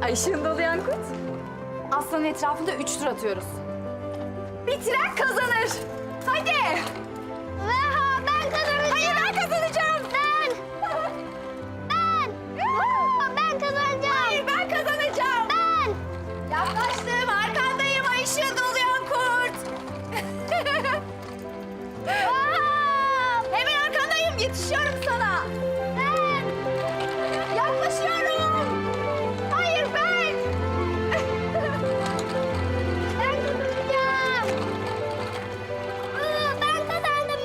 Ay ışığın dolayan kurt. Aslanın etrafında 3 tur atıyoruz. Bitiren kazanır. Hadi. Ben kazanacağım. Hayır ben kazanacağım. Ben kazanacağım. Hayır ben kazanacağım. Ben. Yaklaştım arkandayım ay ışığın dolayan kurt. Hemen arkandayım yetişiyorum sana. Ben. Yaklaşıyorum. Hayır ben. Ben kazanacağım. Ben kazandım.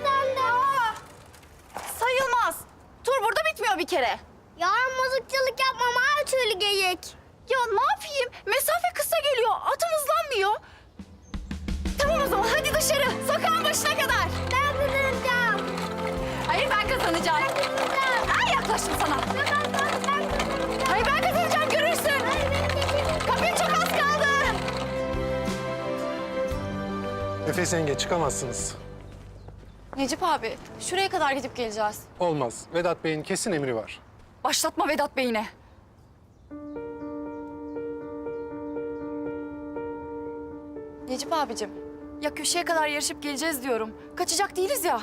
Sayılmaz. Tur burada bitmiyor bir kere. Yarın mızıkçılık yapmam her türlü geyik. Ya ne yapayım? Mesafe kısa geliyor. Atım hızlanmıyor. Tamam o zaman hadi dışarı. Sokağın başına kadar. Ben kazanacağım. Hayır ben kazanacağım. Ay yaklaştım sana. Ben kazanacağım. Hayır ben kazanacağım görürsün. Kapıya çok az kaldı. Nefes yenge çıkamazsınız. Necip abi şuraya kadar gidip geleceğiz. Olmaz. Vedat Bey'in kesin emri var. Başlatma Vedat Bey'ine. Necip abicim, ya köşeye kadar yarışıp geleceğiz diyorum. Kaçacak değiliz ya.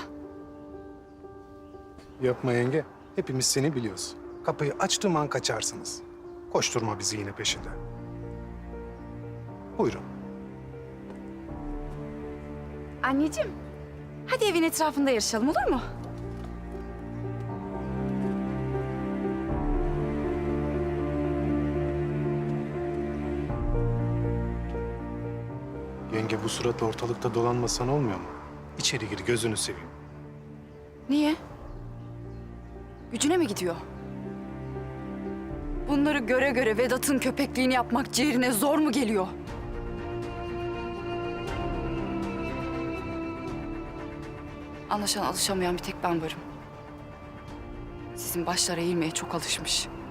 Yapma yenge. Hepimiz seni biliyoruz. Kapıyı açtığım an kaçarsınız. Koşturma bizi yine peşinde. Buyurun. Anneciğim, hadi evin etrafında yarışalım olur mu? Yenge bu suratla ortalıkta dolanmasan olmuyor mu? İçeri gir gözünü seveyim. Niye? Gücüne mi gidiyor? Bunları göre göre Vedat'ın köpekliğini yapmak ciğerine zor mu geliyor? Anlaşılan alışamayan bir tek ben varım. Sizin başlara eğilmeye çok alışmış.